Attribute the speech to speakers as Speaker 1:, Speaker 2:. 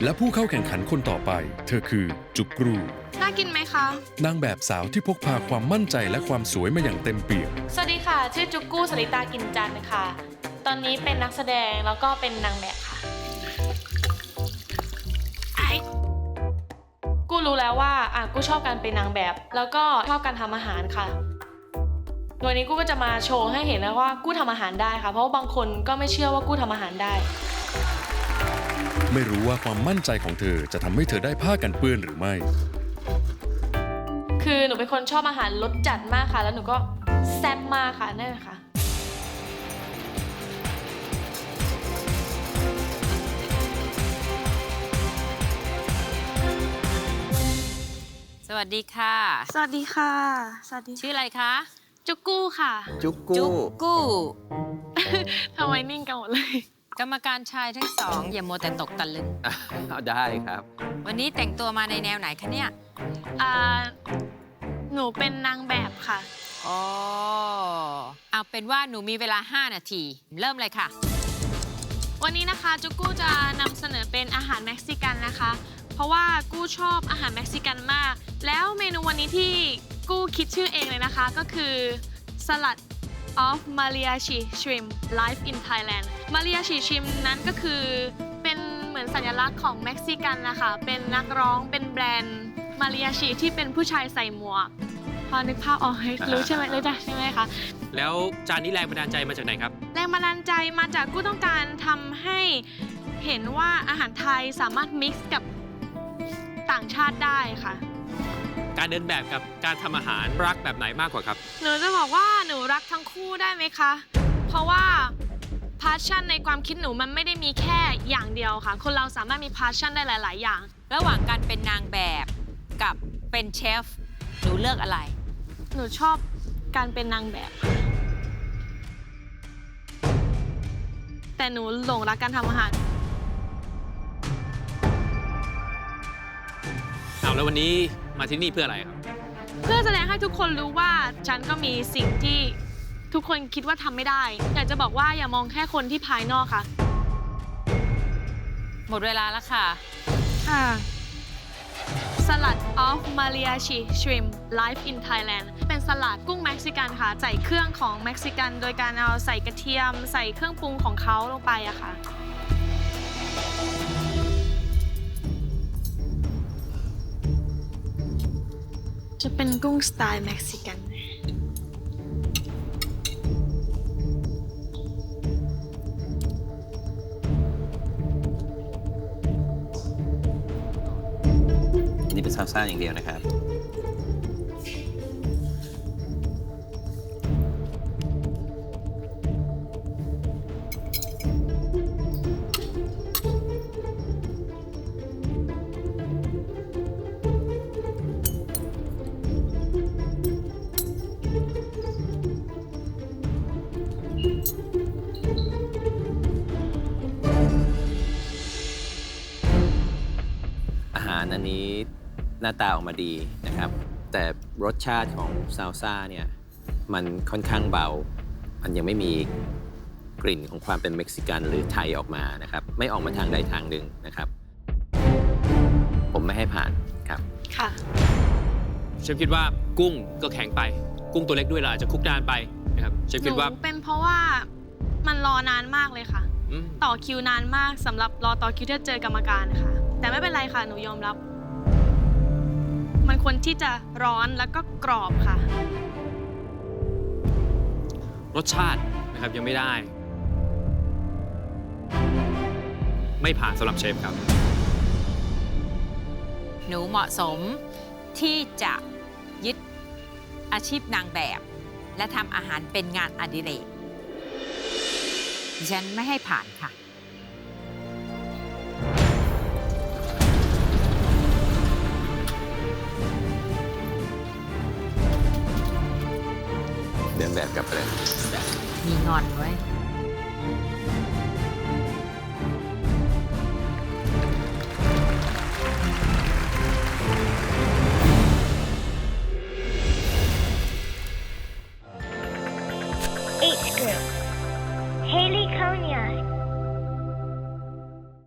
Speaker 1: และผู้เข้าแข่งขันคนต่อไป เธอคือจุกกรู
Speaker 2: น่ากินไหมคะ
Speaker 1: นางแบบสาวที่พกพาความมั่นใจและความสวยมาอย่างเต็มเปี่ยม
Speaker 2: สวัสดีค่ะ ชื่อจุกกู้สริตากินจันทร์ค่ะ ตอนนี้เป็นนักแสดงแล้วก็เป็นนางแบบค่ะกู้รู้แล้วว่ากู้ชอบการเป็นนางแบบ แล้วก็ชอบการทำอาหารค่ะวันนี้กู้ก็จะมาโชว์ให้เห็นนะว่ากู้ทำอาหารได้ค่ะ เพราะว่าบางคนก็ไม่เชื่อว่ากู้ทำอาหารได้
Speaker 1: ไม่รู้ว่าความมั่นใจของเธอจะทำให้เธอได้ผ้ากันเปื้อนหรือไม่
Speaker 2: คือหนูเป็นคนชอบอาหารรสจัดมากค่ะ แล้วหนูก็แซ่บมากค่ะนั่นแหละค่ะ
Speaker 3: สวัสดีค่ะ
Speaker 2: สวัสดีค่ะ สวัสดี
Speaker 3: ชื่ออะไรคะ
Speaker 2: จุกกู้ค่ะ
Speaker 4: จุกกู้
Speaker 3: จุกกู้
Speaker 2: ทำไมนิ่งกันหมดเลย
Speaker 3: กรรมการชายทั้งสองอย่ามัวแต่ตกตะลึง
Speaker 4: เอาได้ครับ
Speaker 3: วันนี้แต่งตัวมาในแนวไหนคะเนี่ย
Speaker 2: หนูเป็นนางแบบค่ะ
Speaker 3: อ๋อเอาเป็นว่าหนูมีเวลา 5 นาที เริ่มเลยค่ะ
Speaker 2: วันนี้นะคะจุกกู้จะนำเสนอเป็นอาหารเม็กซิกันนะคะ เพราะว่ากู้ชอบอาหารเม็กซิกันมาก แล้วเมนูวันนี้ที่กู้คิดชื่อเองเลยนะคะ ก็คือสลัด of mariachi shrimp live in Thailand mariachi shrimp นั้นก็คือเป็นเหมือนสัญลักษณ์ของเม็กซิกันนะคะ เป็นนักร้องเป็นแบรนด์ mariachi ที่เป็นผู้ชายใส่หมวก พอนึกภาพออกรู้ใช่ไหมรู้จักใช่ไหมคะ
Speaker 5: แล้วจานนี้แรงบันดาลใจมาจากไหนครับ
Speaker 2: แรงบันดาลใจมาจากกู้ต้องการทำให้เห็นว่าอาหารไทยสามารถมิกซ์กับต่างชาติได้ค่ะ
Speaker 5: การเดินแบบกับการทำอาหารรักแบบไหนมากกว่าครับ
Speaker 2: หนูจะบอกว่าหนูรักทั้งคู่ได้ไหมคะ เพราะว่าพาชั่นในความคิดหนูมันไม่ได้มีแค่อย่างเดียวค่ะ คนเราสามารถมีพาชั่นได้หลาย ๆ อย่าง
Speaker 3: ระหว่างการเป็นนางแบบกับเป็นเชฟ หนูเลือกอะไร
Speaker 2: หนูชอบการเป็นนางแบบ แต่หนูหลงรักการทำอาหาร
Speaker 5: เอาแล้ววันนี้มาที่นี่เพื่ออะไรครับ
Speaker 2: เพื่อแสดงให้ทุกคนรู้ว่าฉันก็มีสิ่งที่ทุกคนคิดว่าทำไม่ได้ อยากจะบอกว่าอย่ามองแค่คนที่ภายนอกค่ะ
Speaker 3: หมดเวลาแล้วค่ะ
Speaker 2: ค่ะสลัด of mariachi shrimp live in Thailand เป็นสลัดกุ้งเม็กซิกันค่ะ ใส่เครื่องของเม็กซิกัน โดยการเอาใส่กระเทียม ใส่เครื่องปรุงของเขาลงไปอะค่ะ จะเป็นกุ้งสไตล์เม็กซิกัน
Speaker 4: นี่เป็นซาลซ่าอย่างเดียวนะครับ อาหารอันนี้หน้าตาออกมาดีนะครับ แต่รสชาติของซาลซ่าเนี่ยมันค่อนข้างเบา มันยังไม่มีกลิ่นของความเป็นเม็กซิกันหรือไทยออกมานะครับ ไม่ออกมาทางใดทางหนึ่งนะครับ ผมไม่ให้ผ่านครับ
Speaker 2: ค่ะ
Speaker 5: เชฟคิดว่ากุ้งก็แข็งไป กุ้งตัวเล็กด้วยเราอาจจะคลุกนานไปนะครับเชฟ
Speaker 2: ห
Speaker 5: คิ
Speaker 2: นู
Speaker 5: ดว่า
Speaker 2: เป็นเพราะว่ามันรอนานมากเลยค่ะ
Speaker 5: อืม
Speaker 2: ต่อคิวนานมากสำหรับรอต่อคิวที่จะเจอกรรมการค่ะ แต่ไม่เป็นไรค่ะ หนูยอมรับ มันควรที่จะร้อนแล้วก็กรอบค่ะ
Speaker 5: รสชาตินะครับยังไม่ได้ ไม่ผ่านสำหรับเชฟครับ
Speaker 3: หนูเหมาะสมที่จะยึดอาชีพนางแบบ และทำอาหารเป็นงานอดิเรกดิฉันไม่ให้ผ่านค่ะ
Speaker 4: เดินแบบกลับไปเลย
Speaker 3: มีงอนไว้